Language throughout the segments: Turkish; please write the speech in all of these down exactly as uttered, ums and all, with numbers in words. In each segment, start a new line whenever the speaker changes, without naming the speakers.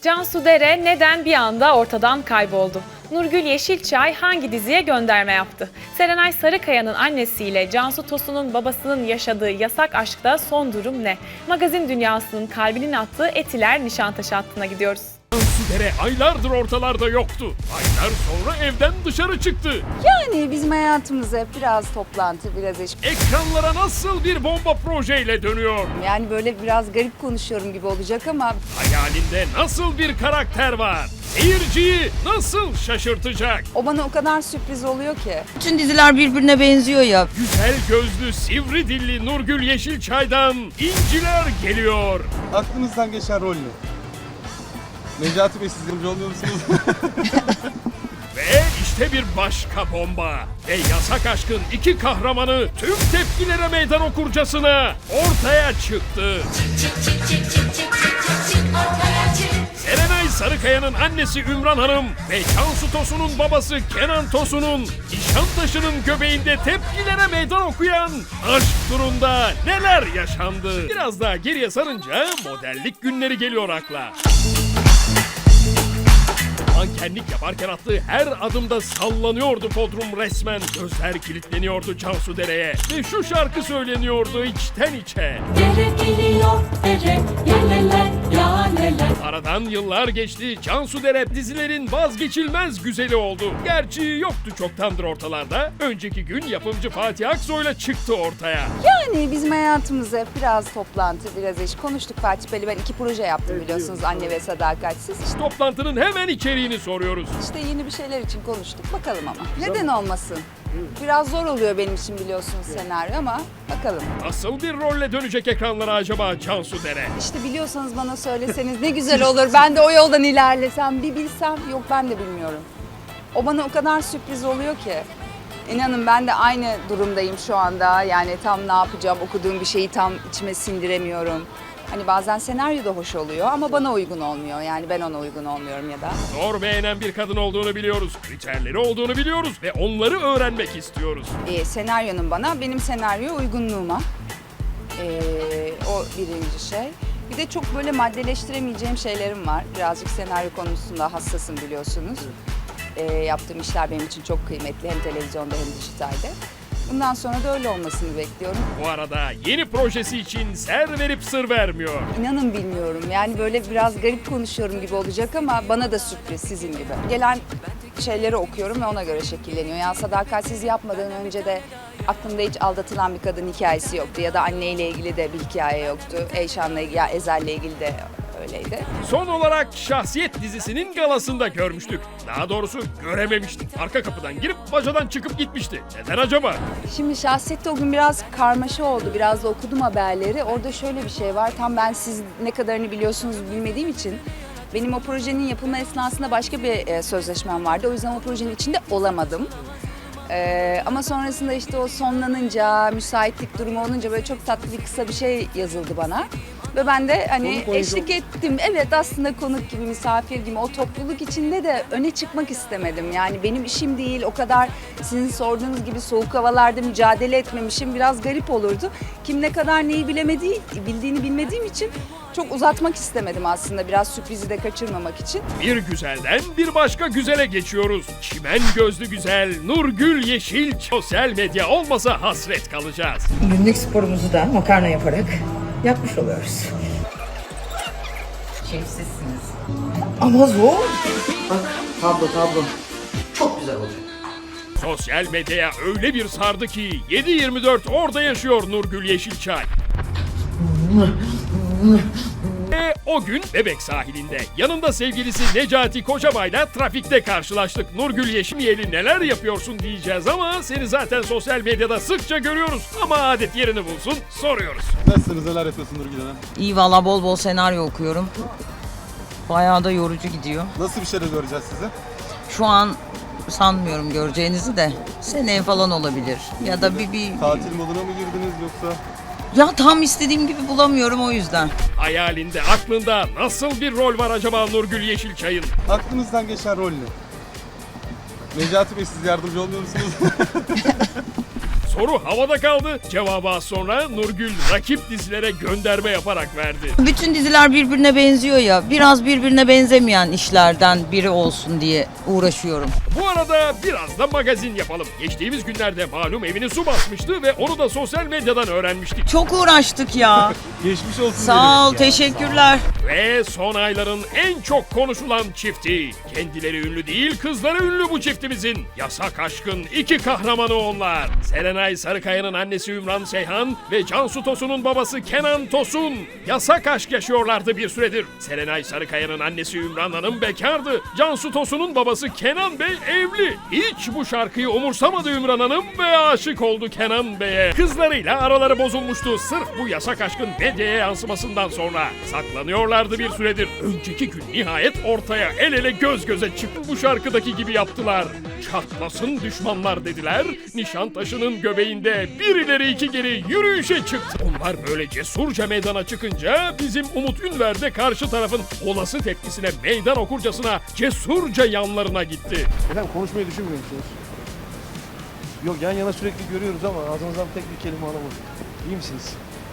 Cansu Dere neden bir anda ortadan kayboldu? Nurgül Yeşilçay hangi diziye gönderme yaptı? Serenay Sarıkaya'nın annesiyle Cansu Tosun'un babasının yaşadığı yasak aşkta son durum ne? Magazin dünyasının kalbinin attığı Etiler Nişantaşı hattına gidiyoruz.
Cansu Dere aylardır ortalarda yoktu. Aylar sonra evden dışarı çıktı.
Yani bizim hayatımız hep biraz toplantı, biraz iş.
Ekranlara nasıl bir bomba projeyle dönüyor?
Yani böyle biraz garip konuşuyorum gibi olacak ama
Hayalinde nasıl bir karakter var? Seyirciyi nasıl şaşırtacak?
o bana o kadar sürpriz oluyor ki.
Bütün diziler birbirine benziyor ya.
Güzel gözlü, sivri dilli Nurgül Yeşilçay'dan inciler geliyor.
Aklınızdan geçen rol ne? Necati Bey, siz yardımcı oluyor musunuz?
Ve işte bir başka bomba. Ve yasak aşkın iki kahramanı tüm tepkilere meydan okurcasına ortaya çıktı. Serenay Sarıkaya'nın annesi Ümran Hanım ve Cansu Tosun'un babası Kenan Tosun'un Nişantaşı'nın göbeğinde tepkilere meydan okuyan aşk turunda neler yaşandı? Biraz daha geriye sarınca modellik günleri geliyor akla. Mankenlik yaparken attığı her adımda sallanıyordu podrum resmen. Gözler kilitleniyordu Cansu Dere'ye. Ve şu şarkı söyleniyordu içten içe.
Dere geliyor dere, yeleler, yaleler.
Aradan yıllar geçti. Cansu Dere dizilerin vazgeçilmez güzeli oldu. Gerçi yoktu çoktandır ortalarda. Önceki gün yapımcı Fatih Aksoy'la çıktı ortaya.
Yani bizim hayatımız hep biraz toplantı, biraz iş. Konuştuk Fatih Bey'le, ben iki proje yaptım biliyorsunuz, Anne ve Sadakatsiz.
Toplantının hemen içeriğini soruyoruz.
İşte yeni bir şeyler için konuştuk, bakalım ama. Neden olmasın? Biraz zor oluyor benim için biliyorsunuz senaryo ama bakalım.
Nasıl bir rolle dönecek ekranlara acaba Cansu Dere?
İşte biliyorsanız bana söyleseniz ne güzel olur. Ben de o yoldan ilerlesem, bir bilsem. Yok, ben de bilmiyorum. O bana o kadar sürpriz oluyor ki. İnanın ben de aynı durumdayım şu anda. Yani tam ne yapacağım, okuduğum bir şeyi tam içime sindiremiyorum. Hani bazen senaryo da hoş oluyor ama bana uygun olmuyor. Yani ben ona uygun olmuyorum ya da.
Zor beğenen bir kadın olduğunu biliyoruz. Kriterleri olduğunu biliyoruz ve onları öğrenmek istiyoruz.
Ee, senaryonun bana, benim senaryo uygunluğuma. Ee, o birinci şey. Bir de çok böyle maddeleştiremeyeceğim şeylerim var. Birazcık senaryo konusunda hassasım biliyorsunuz. Ee, yaptığım işler benim için çok kıymetli, hem televizyonda hem dijitalde. Bundan sonra da öyle olmasını bekliyorum.
Bu arada yeni projesi için ser verip sır vermiyor.
İnanın bilmiyorum. Yani böyle biraz garip konuşuyorum gibi olacak ama bana da sürpriz sizin gibi. Gelen şeyleri okuyorum ve ona göre şekilleniyor. Yani Sadakatsiz yapmadan önce de aklımda hiç aldatılan bir kadın hikayesi yoktu. Ya da anneyle ilgili de bir hikaye yoktu. Eyşan'la ilgili, ya Ezel'le ilgili de öyleydi.
Son olarak Şahsiyet dizisinin galasında görmüştük. Daha doğrusu görememiştik. Arka kapıdan girip bacadan çıkıp gitmişti. Neden acaba?
Şimdi Şahsiyet'te o gün biraz karmaşa oldu. Biraz da okudum haberleri. Orada şöyle bir şey var. Tam ben siz ne kadarını biliyorsunuz bilmediğim için. Benim o projenin yapılma esnasında başka bir e, sözleşmem vardı. O yüzden o projenin içinde olamadım. Ee, ama sonrasında işte o sonlanınca, müsaitlik durumu olunca böyle çok tatlı bir kısa bir şey yazıldı bana. Ve ben de hani eşlik ettim. Evet, aslında konuk gibi, misafir gibi, o topluluk içinde de öne çıkmak istemedim. Yani benim işim değil, o kadar sizin sorduğunuz gibi soğuk havalarda mücadele etmemişim. Biraz garip olurdu. Kim ne kadar neyi bilemediği, bildiğini bilmediğim için çok uzatmak istemedim aslında. Biraz sürprizi de kaçırmamak için.
Bir güzelden bir başka güzele geçiyoruz. Çimen gözlü güzel Nurgül Yeşil. Sosyal medya olmasa hasret kalacağız.
Günlük sporumuzu da makarna yaparak yapmış oluyoruz.
Şefsizsiniz.
Ama zor.
Bak tablo tablo. Çok güzel oluyor.
Sosyal medyaya öyle bir sardı ki yedi yirmi dört orada yaşıyor Nurgül Yeşilçay. Ve o gün Bebek sahilinde yanında sevgilisi Necati Kocabay'la trafikte karşılaştık. Nurgül Yeşimiyeli neler yapıyorsun diyeceğiz ama seni zaten sosyal medyada sıkça görüyoruz. Ama adet yerini bulsun soruyoruz.
Nasılsınız, neler yapıyorsun Nurgül Hanım?
İyi valla, bol bol senaryo okuyorum. Bayağı da yorucu gidiyor.
Nasıl bir şeyler göreceğiz sizi?
Şu an sanmıyorum göreceğinizi de. Seneye falan olabilir. Ya da bir bir...
Tatil moduna mı girdiniz yoksa?
Ya tam istediğim gibi bulamıyorum o yüzden.
Hayalinde, aklında nasıl bir rol var acaba Nurgül Yeşilçay'ın?
Aklınızdan geçen rol ne? Necati Bey, siz yardımcı olmuyor musunuz?
Soru havada kaldı. Cevabı az sonra Nurgül rakip dizilere gönderme yaparak verdi.
Bütün diziler birbirine benziyor ya. Biraz birbirine benzemeyen işlerden biri olsun diye uğraşıyorum.
Bu arada biraz da magazin yapalım. Geçtiğimiz günlerde malum evini su basmıştı ve onu da sosyal medyadan öğrenmiştik.
Çok uğraştık ya.
Geçmiş olsun.
Sağ ol,
demek ya.
teşekkürler.
Ve son ayların en çok konuşulan çifti. Kendileri ünlü değil, kızları ünlü bu çiftimizin. Yasak aşkın iki kahramanı onlar. Serenay Sarıkaya'nın annesi Ümran Seyhan ve Cansu Tosun'un babası Kenan Tosun. Yasak aşk yaşıyorlardı bir süredir. Serenay Sarıkaya'nın annesi Ümran Hanım bekardı. Cansu Tosun'un babası Kenan Bey evli. Hiç bu şarkıyı umursamadı Ümran Hanım ve aşık oldu Kenan Bey'e. Kızlarıyla araları bozulmuştu sırf bu yasak aşkın medyaya yansımasından sonra. Saklanıyorlardı bir süredir. Önceki gün nihayet ortaya el ele göz göze çıktı. Bu şarkıdaki gibi yaptılar. Çatlasın düşmanlar dediler. Nişantaşı'nın göbeğinde bir ileri iki geri yürüyüşe çıktı. Onlar böyle cesurca meydana çıkınca bizim Umut Ünver de karşı tarafın olası tepkisine meydan okurcasına cesurca yanlarına gitti.
Efendim konuşmayı düşünmüyor musunuz? Yok, yan yana sürekli görüyoruz ama ağzınızdan tek bir kelime alamadım. İyi misiniz?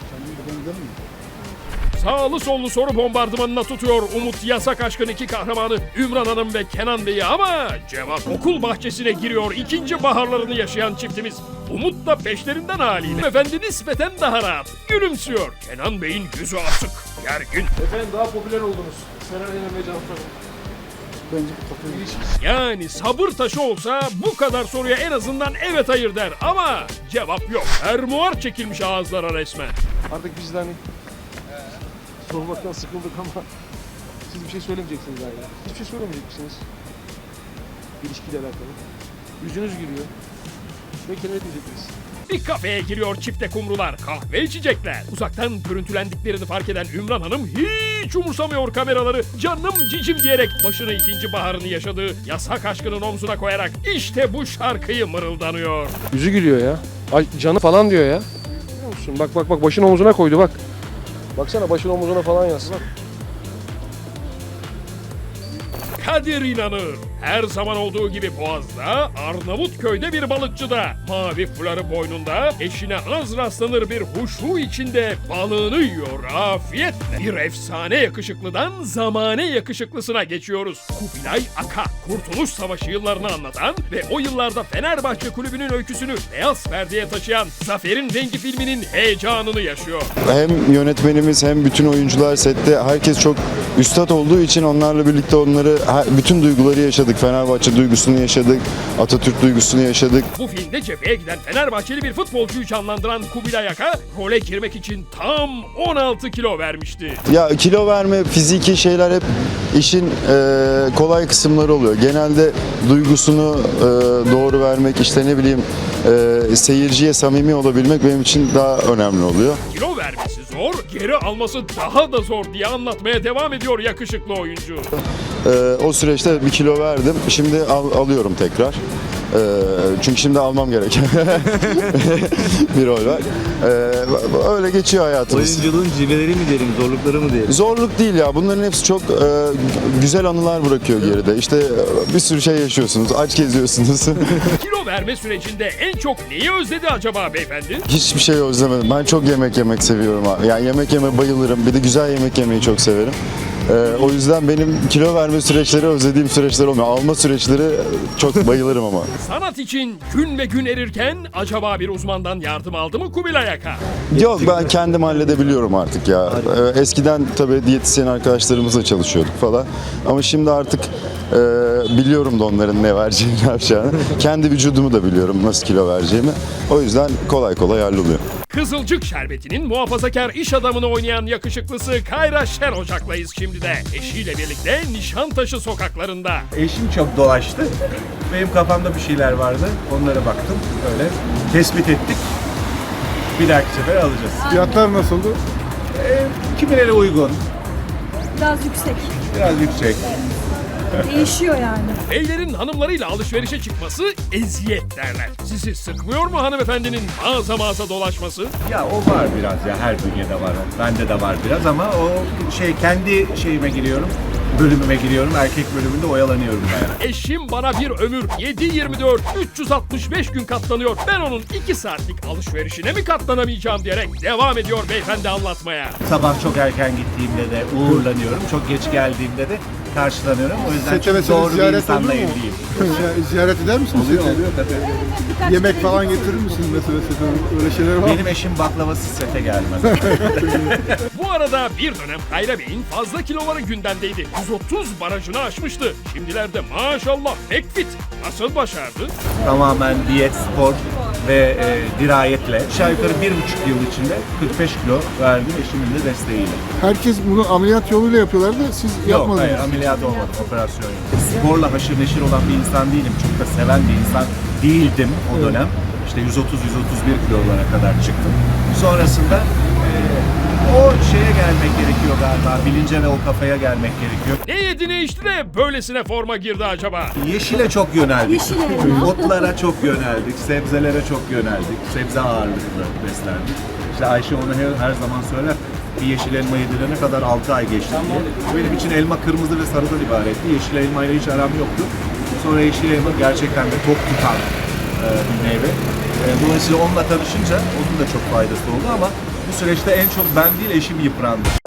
Sağlı sollu soru bombardımanına tutuyor Umut yasak aşkın iki kahramanı Ümran Hanım ve Kenan Bey'i ama cevap okul bahçesine giriyor ikinci baharlarını yaşayan çiftimiz. Umut da peşlerinden haliyle. Efendi nispeten daha rahat. Gülümsüyor. Kenan Bey'in yüzü asık. Gergin.
Efendim daha popüler oldunuz. Serenay'ın ve Cansu Hanım. Bence bu popüler ilişkisi.
Yani sabır taşı olsa bu kadar soruya en azından evet hayır der ama cevap yok. Fermuar çekilmiş ağızlara resmen.
Artık biz de hani sormaktan sıkıldık ama siz bir şey söylemeyeceksiniz yani. Hiçbir şey söylemeyecek misiniz? İlişkiyle alakalı. Yüzünüz gülüyor. Belki ne diyeceksiniz?
Bir kafeye giriyor çifte kumrular, kahve içecekler. Uzaktan görüntülendiklerini fark eden Ümran Hanım hiç umursamıyor kameraları. Canım cicim diyerek başını ikinci baharını yaşadığı yasak aşkının omzuna koyarak işte bu şarkıyı mırıldanıyor.
Yüzü gülüyor ya. Ay, canı falan diyor ya. Biliyor musun? Bak bak bak başını omzuna koydu bak. Baksana başını omzuna falan yazsın.
Kadir inanır. Her zaman olduğu gibi Boğaz'da, Arnavutköy'de bir balıkçıda, mavi fuları boynunda, eşine az rastlanır bir huşu içinde balığını yiyor afiyetle. Bir efsane yakışıklıdan zamane yakışıklısına geçiyoruz. Kubilay Aka, Kurtuluş Savaşı yıllarını anlatan ve o yıllarda Fenerbahçe Kulübü'nün öyküsünü beyaz perdeye taşıyan Zafer'in Rengi filminin heyecanını yaşıyor.
Hem yönetmenimiz hem bütün oyuncular sette herkes çok üstad olduğu için onlarla birlikte onları bütün duyguları yaşadık. Fenerbahçe duygusunu yaşadık, Atatürk duygusunu yaşadık.
Bu filmde cepheye giden Fenerbahçeli bir futbolcuyu canlandıran Kubilay Aka, role girmek için tam on altı kilo vermişti.
Ya kilo verme, fiziki şeyler hep işin e, kolay kısımları oluyor. Genelde duygusunu e, doğru vermek, işte ne bileyim e, seyirciye samimi olabilmek benim için daha önemli oluyor.
Kilo vermesi zor, geri alması daha da zor diye anlatmaya devam ediyor yakışıklı oyuncu.
E, o süreçte bir kilo verdim, şimdi al, alıyorum tekrar. E, çünkü şimdi almam gerek. bir rol var. E, öyle geçiyor hayatımız.
Oyunculuğun cilveleri mi diyelim, zorlukları mı diyelim?
Zorluk değil ya. Bunların hepsi çok e, güzel anılar bırakıyor geride. İşte e, bir sürü şey yaşıyorsunuz. Aç geziyorsunuz.
Kilo verme sürecinde en çok neyi özledi acaba beyefendi?
Hiçbir şey özlemedim. Ben çok yemek yemek seviyorum abi. Yani yemek yeme bayılırım. Bir de güzel yemek yemeyi çok severim. Ee, o yüzden benim kilo verme süreçleri özlediğim süreçler olmuyor. Alma süreçleri çok bayılırım ama.
Sanat için gün ve gün erirken acaba bir uzmandan yardım aldı mı Kubilay Aka?
Yok, ben kendim halledebiliyorum artık ya. Ee, eskiden tabii diyetisyen arkadaşlarımızla çalışıyorduk falan. Ama şimdi artık e, biliyorum da onların ne vereceğini, ne yapacağını. Kendi vücudumu da biliyorum nasıl kilo vereceğimi. O yüzden kolay kolay halloluyor.
Kızılcık Şerbeti'nin muhafazakar iş adamını oynayan yakışıklısı Kayra Şer Ocak'layız şimdi de. Eşiyle birlikte Nişantaşı sokaklarında.
Eşim çok dolaştı. Benim kafamda bir şeyler vardı. Onlara baktım. Öyle tespit ettik. Bir dahaki sefer alacağız.
Fiyatlar nasıldı?
Ee, kimileri uygun,
Biraz yüksek.
biraz yüksek.
Değişiyor yani.
Beylerin hanımlarıyla alışverişe çıkması eziyet derler. Sizi sıkmıyor mu hanımefendinin mağaza mağaza dolaşması?
Ya o var biraz ya, her bünyede var o. Bende de var biraz ama o şey, kendi şeyime giriyorum. bölümüme giriyorum. Erkek bölümünde oyalanıyorum bayağı.
Eşim bana bir ömür yedi yirmi dört üç yüz altmış beş gün katlanıyor. Ben onun iki saatlik alışverişine mi katlanamayacağım diyerek devam ediyor beyefendi anlatmaya.
Sabah çok erken gittiğimde de uğurlanıyorum. Çok geç geldiğimde de karşılanıyorum. O yüzden
Sete
çok
mesela
doğru bir
ziyaret
insanla
olur mu?
evliyim.
Ziyaret eder misiniz?
Oluyor
sete?
oluyor tabii.
Yemek falan getirir misiniz mesela sete? Öyle şeyler var mı?
Benim eşim baklavası sete gelmez.
Bu arada bir dönem Kayra Bey'in fazla kiloları gündemdeydi. yüz otuz barajını aşmıştı. Şimdilerde maşallah pek fit. Nasıl başardı?
Tamamen diyet, spor ve e, dirayetle. Aşağı yukarı bir buçuk yıl içinde kırk beş kilo verdim eşimin de desteğiyle.
Herkes bunu ameliyat yoluyla yapıyorlar da siz
Yok
yapmadınız.
hayır ameliyat olmadım, operasyon yok. Sporla haşır neşir olan bir insan değilim. Çok da seven bir insan değildim o dönem. İşte yüz otuz yüz otuz bir kilolara kadar çıktım. Sonrasında e, o şeye gelmek gerekiyor galiba. Bilince ve o kafaya gelmek gerekiyor.
Ne yedi ne içti de böylesine forma girdi acaba?
Yeşile çok yöneldik.
Yeşile.
Otlara çok yöneldik. Sebzelere çok yöneldik. Sebze ağırlıklı beslendik. İşte Ayşe onu her, her zaman söyler. Bir yeşil elma yedirene kadar altı ay geçti diye. Benim için elma kırmızı ve sarıdan ibaretti. Yeşil elmayla hiç aram yoktu. Sonra yeşil elma gerçekten de tok tutan e, bir meyve. E, dolayısıyla onunla tanışınca onun da çok faydası oldu ama bu süreçte en çok ben değil eşim yıprandı.